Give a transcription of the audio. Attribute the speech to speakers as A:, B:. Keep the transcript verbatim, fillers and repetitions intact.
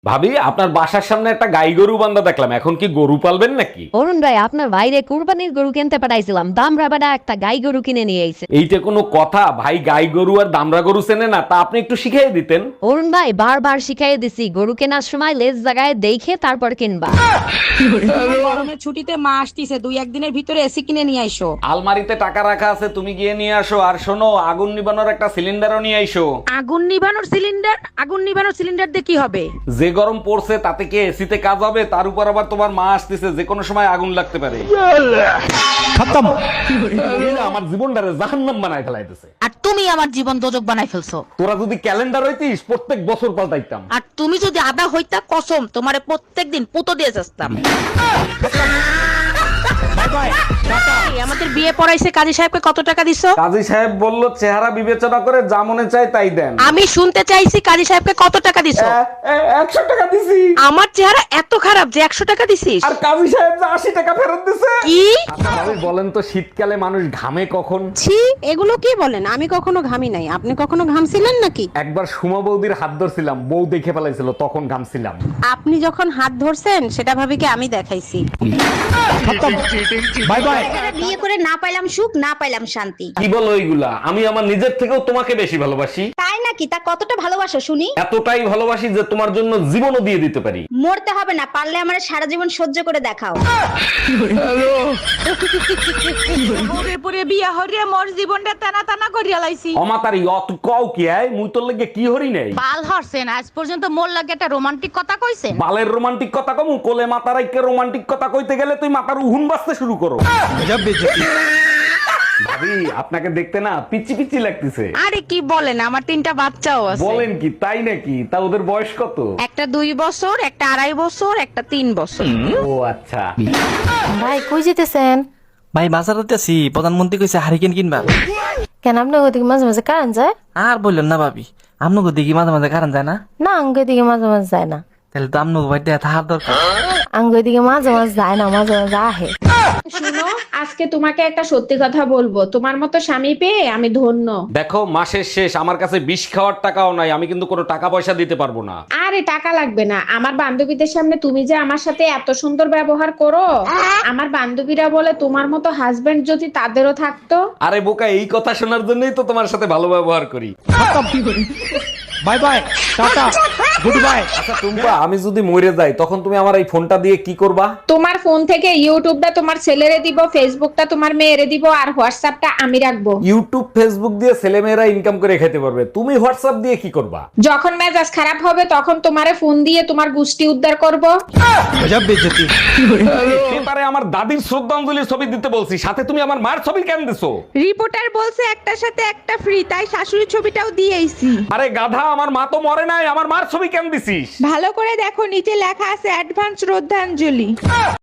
A: ভাবি, আপনার বাসার সামনে একটা গাই গরু বান্ধা দেখলাম, এখন কি গরু পালবেন নাকি?
B: অরুণ ভাই, আপনার বাইরে কুরবানির গরু কিনতে পাঠাইছিলাম, দাম রাবাডা একটা গাই গরু কিনে নিয়ে আইছে।
A: এইটা কোনো কথা ভাই? গাই গরু আর দামরা গরু চেনে না, তা আপনি একটু শিখিয়ে দিতেন।
B: অরুণ ভাই, বারবার শিখাই দিছি গরু কেনার সময় লেজ জায়গায় দেখে তারপর কিনবা।
C: গরমের ছুটিতে মা আসতিছে, দুই একদিনের ভিতরে এসি কিনে নিয়ে আইসো।
A: আলমারিতে টাকা রাখা আছে, তুমি গিয়ে নিয়ে আসো। আর শোনো, আগুন নিবানোর একটা সিলিন্ডারও নিয়ে আইসো।
C: আগুন নিভানোর সিলিন্ডার? আগুন নিভানোর সিলিন্ডার দিয়ে কি হবে?
A: যে গরম পড়ছে তাতে কি এসিতে কাজ হবে? তার উপর আবার তোমার মা আসতেছে, যে কোনো সময় আগুন লাগতে পারে। খতম। মহিলা আমার জীবনটারে জাহান্নাম বানায় ফেলাইতেছে।
C: আর তুমি আমার জীবন দোজক বানাই ফেলছো।
A: তোরা যদি ক্যালেন্ডার হইতিস, প্রত্যেক বছর পাল্টাইতাম।
C: আর তুমি যদি আদা হইতা, কসম তোমারে প্রত্যেকদিন পুতো দিয়ে যাস্তাম। এই, আমাদের বিয়ে পড়াইছে কাজী সাহেবকে কত টাকা দিছো?
A: কাজী সাহেব বলল চেহারা বিবেচনা করে যা মনে চায় তাই দেন।
C: আমি শুনতে চাইছি কাজী সাহেবকে কত টাকা দিছো?
A: একশো টাকা দিছি।
C: আমার চেহারা এত খারাপ যে একশো টাকা দিছিস?
A: আর কাজী সাহেব যে আশি টাকা ফেরত দিছে।
C: কি?
A: আচ্ছা ভাবি, বলেন তো শীতকালে মানুষ ঘামে কখন?
D: ছি, এগুলো কি বলেন? আমি কখনো ঘামি নাই। আপনি কখনো ঘামছিলেন নাকি?
A: একবার সুমা বৌদির হাত ধরছিলাম, বউ দেখে ফেলাইছিল, তখন ঘামছিলাম।
D: আপনি যখন হাত ধরছেন সেটা ভাবি কি আমি দেখাইছি?
A: Bye bye.
E: বিয়ে করে না পাইলাম সুখ, না পাইলাম শান্তি।
A: কি বলো এইগুলা? আমি আমার নিজের থেকেও তোমাকে বেশি ভালোবাসি।
E: তাই নাকি? তা কতটা ভালোবাসো শুনি?
A: এতটাই ভালোবাসি যে তোমার জন্য জীবনও দিয়ে দিতে পারি।
E: মরতে হবে না, পারলে আমার সারা জীবন সহ্য করে দেখাও।
C: পরে পরে বিয়া হরিয়া মোর জীবনটা টানা টানা করিয়া লাইছি।
A: অমাতারি অত কও কি আয়? মুই তোর লেগে কি হরি নাই?
C: বাল হরছেন, আজ পর্যন্ত মোর লাগে একটা রোমান্টিক কথা কইছেন?
A: বালের রোমান্টিক কথা কমু? কোলে মাতার আইকে রোমান্টিক কথা কইতে গেলে তুই মাথার উহুন বাজতে শুরু করো। ভাবি, আপনাকে দেখতে না পিচি পিচি লাগতেছে।
C: আরে কি বলেন, আমার তিনটা বাচ্চাও আছে।
A: বলেন কি? তাই নাকি? তা ওদের বয়স কত?
C: একটা দুই বছর, একটা আড়াই বছর, একটা তিন বছর।
A: ও আচ্ছা।
F: ভাই কই যেতেছেন?
G: ভাই বাজারতে আছি, প্রধানমন্ত্রী কইছে হারিকেন কিনবা।
F: কেন আপনার ওদিকে মাঝে মাঝে কারেন্ট যায়?
G: আর বললেন না ভাবি, আপনাকে দিকে মাঝে মাঝে কারণ যায় না?
F: না, আঙ্গ দিকে মাঝে মাঝে যায় না।
G: তাহলে তো আপনাকে বাড়িতে থাকার দরকার।
F: আঙ্গ দিকে মাঝে মাঝে যায় না, মাঝে মাঝে আহে।
H: শুনো, আজকে তোমাকে একটা সত্যি কথা বলবো। তোমার মতো স্বামী পেয়ে আমি ধন্য।
A: দেখো, মাসের শেষ, আমার কাছে বিষ খাওয়ার টাকাও নাই, আমি কিন্তু কোনো টাকা পয়সা দিতে পারবো না।
H: আরে টাকা লাগবে না। আমার বান্ধবীদের সামনে তুমি যে আমার সাথে এত সুন্দর ব্যবহার করো, আমার বান্ধবীরা বলে তোমার মতো হাজবেন্ড যদি তাদেরও থাকতো।
A: আরে বোকা, এই কথা শোনার জন্যই তো তোমার সাথে ভালো ব্যবহার করি।
G: Bye bye, tata, good bye.
A: আচ্ছা টুম্পা, আমি যদি মরে যাই তখন তুমি আমার এই ফোনটা দিয়ে কি করবা?
H: তোমার ফোন থেকে ইউটিউবটা তোমার ছেলেরে দিব, ফেসবুকটা তোমার মেয়েরে দিব, আর হোয়াটসঅ্যাপটা আমি রাখবো।
A: ইউটিউব ফেসবুক দিয়ে ছেলেমেয়েরা ইনকাম করে খেতে পারবে, তুমি হোয়াটসঅ্যাপ দিয়ে কি করবা?
H: যখন মেজাজ খারাপ হবে তখন তোমারে ফোন দিয়ে তোমার গুষ্টি উদ্ধার করব।
A: পেপারে আমার দাদির শ্রদ্ধাঞ্জলির ছবি দিতে বলছি, সাথে তুমি আমার মার ছবি কেন দিছো?
H: রিপোর্টার বলছে একটার সাথে একটা ফ্রি, তাই শাশুড়ির ছবিটাও দিয়েইছি।
A: আরে গাধা, আমার মা তো মরে নাই, আমার মার ছবি কেন দিছিস?
H: ভালো করে দেখো, নিচে লেখা আছে অ্যাডভান্স শ্রদ্ধাঞ্জলি।